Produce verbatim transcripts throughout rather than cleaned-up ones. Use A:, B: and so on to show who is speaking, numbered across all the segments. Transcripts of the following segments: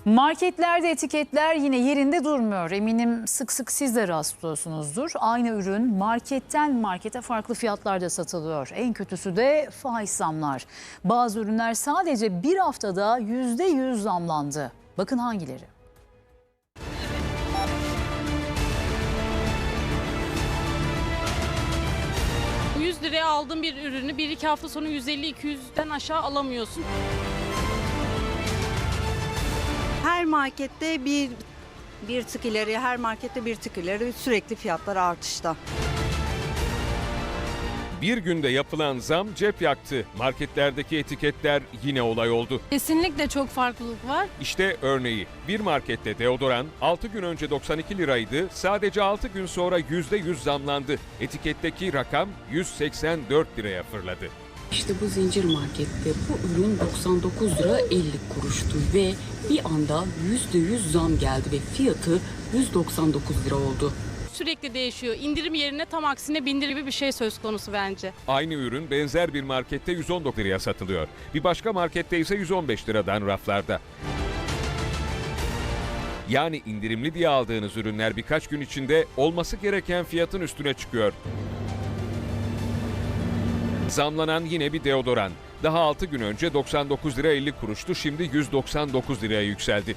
A: Marketlerde etiketler yine yerinde durmuyor. Eminim sık sık siz de rastlıyorsunuzdur. Aynı ürün marketten markete farklı fiyatlarda satılıyor. En kötüsü de faiz zamlar. Bazı ürünler sadece bir haftada yüzde yüz zamlandı. Bakın hangileri?
B: yüz liraya aldığın bir ürünü bir iki hafta sonra yüz elli iki yüzden aşağı alamıyorsun.
C: Her markette bir bir tık ileri, her markette bir tık ileri sürekli fiyatlar artışta.
D: Bir günde yapılan zam cep yaktı. Marketlerdeki etiketler yine olay oldu.
B: Kesinlikle çok farklılık var.
D: İşte örneği. Bir markette deodoran altı gün önce doksan iki liraydı. Sadece altı gün sonra yüzde yüz zamlandı. Etiketteki rakam yüz seksen dört liraya fırladı.
E: İşte bu zincir markette bu ürün doksan dokuz lira elli kuruştu ve bir anda yüzde yüz zam geldi ve fiyatı yüz doksan dokuz lira oldu.
B: Sürekli değişiyor. İndirim yerine tam aksine bindir gibi bir şey söz konusu bence.
D: Aynı ürün benzer bir markette yüz on dokuz liraya satılıyor. Bir başka markette ise yüz on beş liradan raflarda. Yani indirimli diye aldığınız ürünler birkaç gün içinde olması gereken fiyatın üstüne çıkıyor. Zamlanan yine bir deodoran. Daha altı gün önce doksan dokuz lira elli kuruştu, şimdi yüz doksan dokuz liraya yükseldi.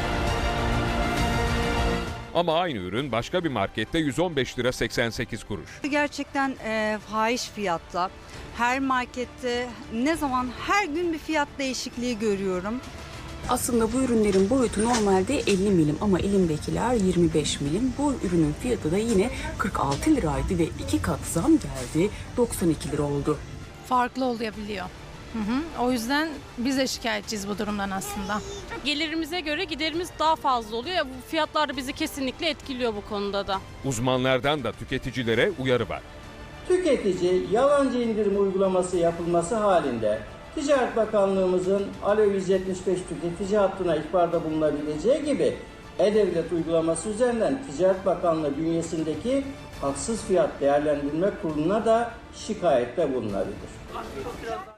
D: Ama aynı ürün başka bir markette yüz on beş lira seksen sekiz kuruş.
C: Gerçekten e, fahiş fiyatla. Her markette ne zaman her gün bir fiyat değişikliği görüyorum.
E: Aslında bu ürünlerin boyutu normalde elli milim ama elimdekiler yirmi beş milim. Bu ürünün fiyatı da yine kırk altı liraydı ve iki kat zam geldi, doksan iki lira oldu.
F: Farklı olabiliyor. Hı hı. O yüzden biz de şikayetçiyiz bu durumdan aslında.
B: Gelirimize göre giderimiz daha fazla oluyor. Ya bu fiyatlar da bizi kesinlikle etkiliyor bu konuda da.
D: Uzmanlardan da tüketicilere uyarı var.
G: Tüketici yalancı indirim uygulaması yapılması halinde Ticaret Bakanlığımızın Alo yüz yetmiş beş tüketici hattına ihbarda bulunabileceği gibi E-Devlet uygulaması üzerinden Ticaret Bakanlığı bünyesindeki Haksız Fiyat Değerlendirme Kurulu'na da şikayette bulunabilir.